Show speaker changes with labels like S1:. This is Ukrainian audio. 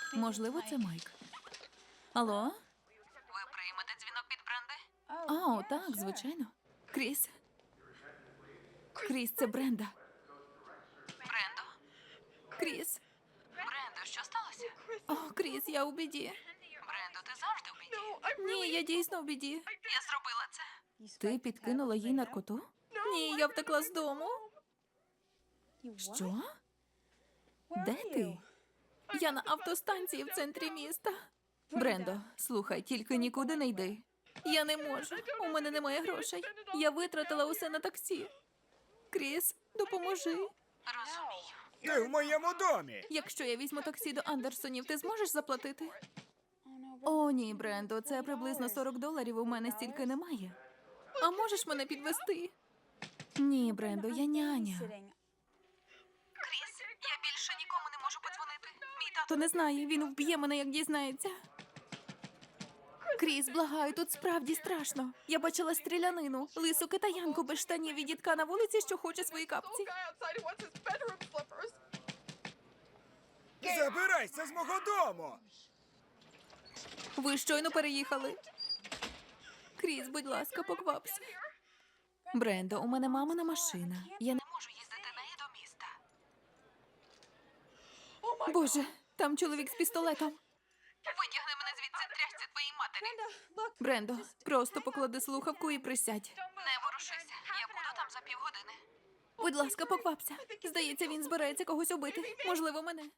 S1: Можливо, це Майк. Алло?
S2: Ви приймете дзвінок від Бренди?
S1: О, так, звичайно. Кріс. Кріс, це Бренда.
S2: Брендо?
S1: Кріс.
S2: Брендо, що сталося?
S1: О, Кріс, я у біді.
S2: Брендо, ти завжди в біді.
S1: Ні, я дійсно у біді.
S2: Я зробила це.
S1: Ти підкинула їй наркоту? Ні, я втекла з дому. Що? Де ти? Я на автостанції в центрі міста. Брендо, слухай, тільки нікуди не йди. Я не можу. У мене немає грошей. Я витратила усе на таксі. Кріс, допоможи.
S2: Розумію.
S3: Ти в моєму домі.
S1: Якщо я візьму таксі до Андерсонів, ти зможеш заплатити? О, ні, Брендо, це приблизно $40. У мене стільки немає. А можеш мене підвести? Ні, Брендо, я няня.
S2: Кріс, я більше нікому не можу подзвонити. Мій тато.
S1: То не знає, він вб'є мене, як дізнається. Кріс, благаю, тут справді страшно. Я бачила стрілянину, лису китаянку без штанів і дідка на вулиці, що хоче свої капці.
S3: Забирайся з мого дому.
S1: Ви щойно переїхали. Кріс, будь ласка, поквапся. Брендо, у мене мамина машина. Я не...
S2: Не можу їздити нею до міста.
S1: Боже, там чоловік з пістолетом.
S2: Витягни мене звідси, трясся твоїй матері.
S1: Брендо, просто поклади слухавку і присядь.
S2: Не ворушися. Я буду там за півгодини.
S1: Будь ласка, поквапся. Здається, він збирається когось убити. Можливо, мене.